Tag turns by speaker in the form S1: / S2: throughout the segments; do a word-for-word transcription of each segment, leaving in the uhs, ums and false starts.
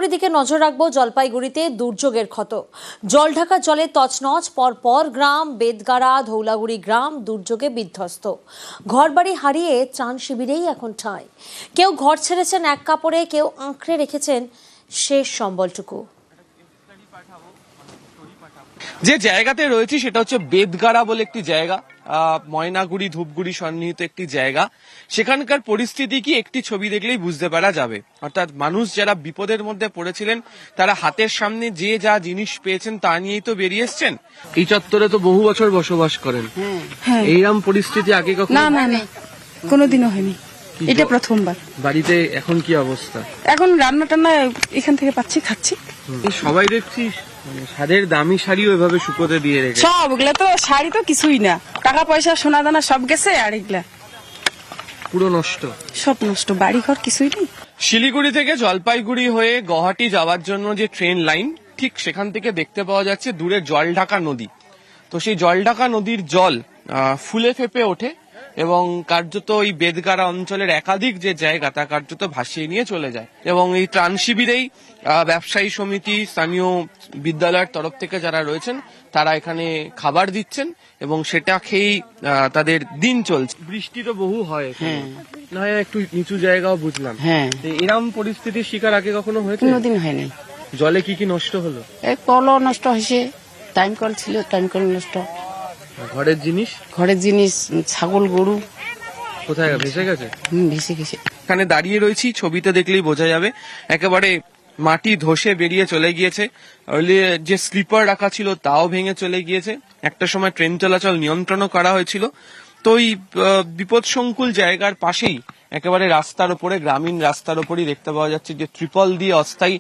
S1: অপর দিকে নজর রাখবো জলপাইগুড়িতে দুর্যোগের ক্ষত। জলঢাকা জলে তছনছ, পরপর গ্রাম বেদগাড়া ধৌলাগুড়ি গ্রাম দুর্যোগে বিধ্বস্ত। ঘরবাড়ি হারিয়ে ত্রাণ শিবিরেই এখন ঠাঁই। কেউ ঘর ছেড়েছেন এক কাপড়ে, কেউ আঁকড়ে রেখেছেন শেষ সম্বলটুকু।
S2: যে জায়গাতে রয়েছে সেটা হচ্ছে বেদগাড়া বলে একটি জায়গা, ময়নাগুড়ি ধূপগুড়ি সন্নিহিত একটি জায়গা। সেখানকার পরিস্থিতি কি একটি ছবি দেখলেই বুঝতে পারা যাবে। অর্থাৎ মানুষ যারা বিপদের মধ্যে পড়েছিলেন তারা হাতের সামনে যে যা জিনিস পেয়েছেন তা নিয়েই তো বেরিয়ে এসছেন। এই চত্বরে তো বহু বছর বসবাস করেন, এইরকম পরিস্থিতি আগে কখনো?
S3: না না না, কোনোদিনও হয়নি, এটা প্রথমবার।
S2: বাড়িতে এখন কি অবস্থা?
S3: এখন রান্না টান্না এখান থেকে পাচ্ছি, খাচ্ছি।
S2: সবাই দেখছি শাড়ির দামি শাড়িও এভাবে শুকোতে দিয়ে রেখে।
S3: সব এগুলা তো শাড়ি তো কিছুই না, টাকা পয়সা সোনা দানা সব গেছে, আর এগুলা
S2: পুরো নষ্ট,
S3: সব নষ্ট, বাড়ি ঘর কিছুই নেই।
S2: শিলিগুড়ি থেকে জলপাইগুড়ি হয়ে গুয়াহাটি যাওয়ার জন্য যে ট্রেন লাইন, ঠিক সেখান থেকে দেখতে পাওয়া যাচ্ছে দূরে জলঢাকা নদী। তো সেই জলঢাকা নদীর জল ফুলে ফেপে ওঠে এবং কার্যত এই বেদগাড়া অঞ্চলের একাধিক যে জায়গা তা কার্যত ভাসিয়ে নিয়ে চলে যায়। এবং এই ত্রাণ শিবিরেই ব্যবসায়ী সমিতি, স্থানীয় বিদ্যালয়ের তরফ থেকে যারা রয়েছেন তারা এখানে খাবার দিচ্ছেন এবং সেটা খেয়েই তাদের দিন চলছে। বৃষ্টি তো বহু হয়, না হয় একটু নিচু জায়গাও বুঝলাম।
S3: হ্যাঁ,
S2: এরকম পরিস্থিতির শিকার আগে কখনো হয়েছে?
S3: কোনোদিন হয়নি।
S2: জলে কি কি নষ্ট হলো?
S3: এই কলও নষ্ট হয়েছে, টাইম কল ছিল, টাইম কল নষ্ট।
S2: ঘরের জিনিস?
S3: ঘরের জিনিস, ছাগল গরু
S2: কোথায় ভেসে গেছে?
S3: হুম, ভেসে গেছে।
S2: এখানে দাঁড়িয়ে রয়েছি, ছবিতে দেখলেই বোঝা যাবে একেবারে মাটি ধসে বেরিয়ে চলে গিয়েছে। যে স্লিপার রাখা ছিল তাও ভেঙে চলে গিয়েছে। একটা সময় ট্রেন চলাচল নিয়ন্ত্রণও করা হয়েছিল। তো এই বিপদসংকুল জায়গার পাশেই একেবারে রাস্তার উপরে, গ্রামীণ রাস্তার উপরই দেখতে পাওয়া যাচ্ছে যে ত্রিপল দিয়ে অস্থায়ী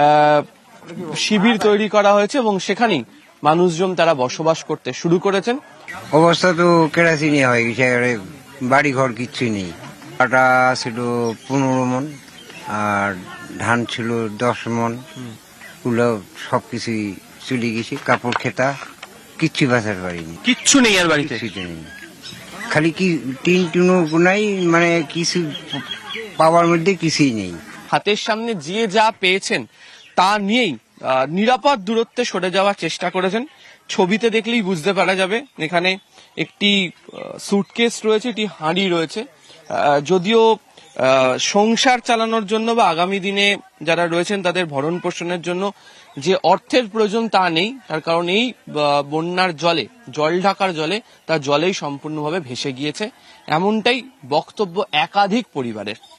S2: শিবির তৈরি করা হয়েছে এবং সেখানেই মানুষজন তারা বসবাস করতে শুরু করেছেন।
S4: অবস্থা তো কেরাসিনি হয়ে গেছে, বাড়ি ঘর কিচ্ছু নেই। আটা ছিল পনেরো মন আর ধান ছিল দশ মন, ওগুলো সবকিছুই চলে গেছে। কাপড় খেতা কিচ্ছু বাঁচাতে পারিনি,
S2: কিচ্ছু নেই আর বাড়িতে,
S4: নেই। খালি কি টিন টুনো নাই, মানে কিছু পাওয়ার মধ্যে কিছুই নেই।
S2: হাতের সামনে যে যা পেয়েছেন তা নিয়েই নিরাপদ দূরত্বে সরে যাওয়ার চেষ্টা করেছেন। ছবিতে দেখলেই বুঝতে পারা যাবে এখানে একটি সুটকেস রয়েছে, একটি হাঁড়ি রয়েছে। যদিও সংসার চালানোর জন্য বা আগামী দিনে যারা রয়েছেন তাদের ভরণ পোষণের জন্য যে অর্থের প্রয়োজন তা নেই, তার কারণ এই বন্যার জলে, জল ঢাকার জলে তা জলেই সম্পূর্ণভাবে ভেসে গিয়েছে, এমনটাই বক্তব্য একাধিক পরিবারের।